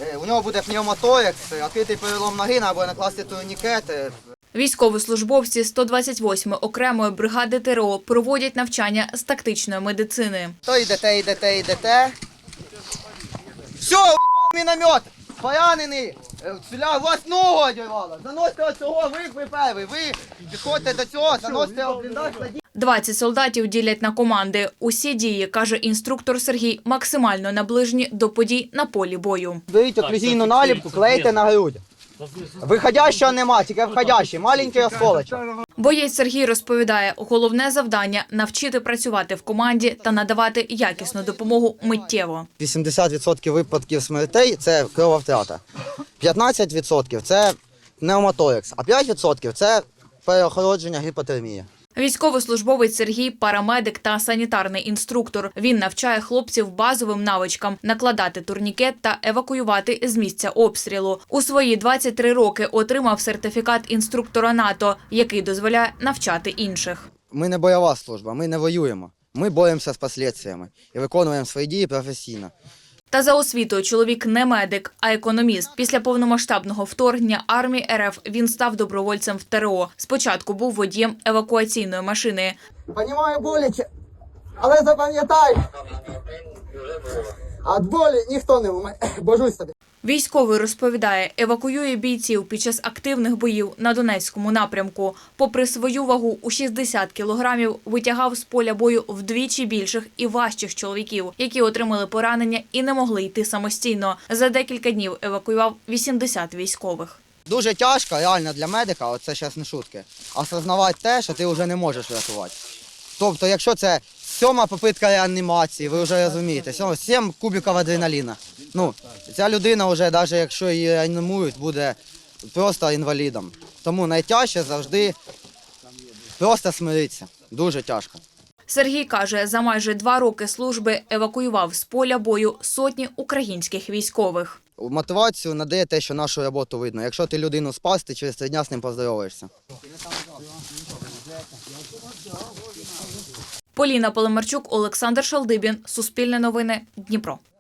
У нього буде пневмоторакс, відкритий перелом ноги, або накласти турнікет. Військовослужбовці 128-ї окремої бригади ТРО проводять навчання з тактичної медицини. То йдете. Все, уїбав міномет! Поранений! У вас ногу одірвало! Заносьте оцього, ви перший, ви підходьте до цього, заносьте бліндаж. 20 солдатів ділять на команди. Усі дії, каже інструктор Сергій, максимально наближені до подій на полі бою. Беріть оклюзійну наліпку, клейте на грудь. Виходящого нема, тільки входящий, маленький осколочок. Боєць Сергій розповідає, головне завдання – навчити працювати в команді та надавати якісну допомогу миттєво. 80% випадків смертей – це крововтрата. 15% – це пневмоторакс, а 5% – це переохолодження, гіпотермія. Військовослужбовець Сергій – парамедик та санітарний інструктор. Він навчає хлопців базовим навичкам – накладати турнікет та евакуювати з місця обстрілу. У свої 23 роки отримав сертифікат інструктора НАТО, який дозволяє навчати інших. Ми не бойова служба, ми не воюємо. Ми боремося з наслідками і виконуємо свої дії професійно. Та за освітою чоловік не медик, а економіст. Після повномасштабного вторгнення армії РФ він став добровольцем в ТРО. Спочатку був водієм евакуаційної машини. Понімаю боляче, але запам'ятай, від болі ніхто не вмре, божусь тобі. Військовий розповідає, евакуює бійців під час активних боїв на Донецькому напрямку. Попри свою вагу у 60 кілограмів, витягав з поля бою вдвічі більших і важчих чоловіків, які отримали поранення і не могли йти самостійно. За декілька днів евакуював 80 військових. Дуже тяжко, реально для медика, оце зараз не шутки, осознавати те, що ти вже не можеш врятувати. Тобто, якщо це 7-ма попитка реанімації, ви вже розумієте, 7 кубиків адреналіна. Ця людина вже, навіть якщо її реанімують, буде просто інвалідом. Тому найтяжче завжди просто смиритися. Дуже тяжко. Сергій каже, за майже 2 роки служби евакуював з поля бою сотні українських військових. Мотивацію надає те, що нашу роботу видно. Якщо ти людину спас, ти через 3 дні з ним поздороваєшся. Поліна Полимарчук, Олександр Шалдибін, Суспільне новини, Дніпро.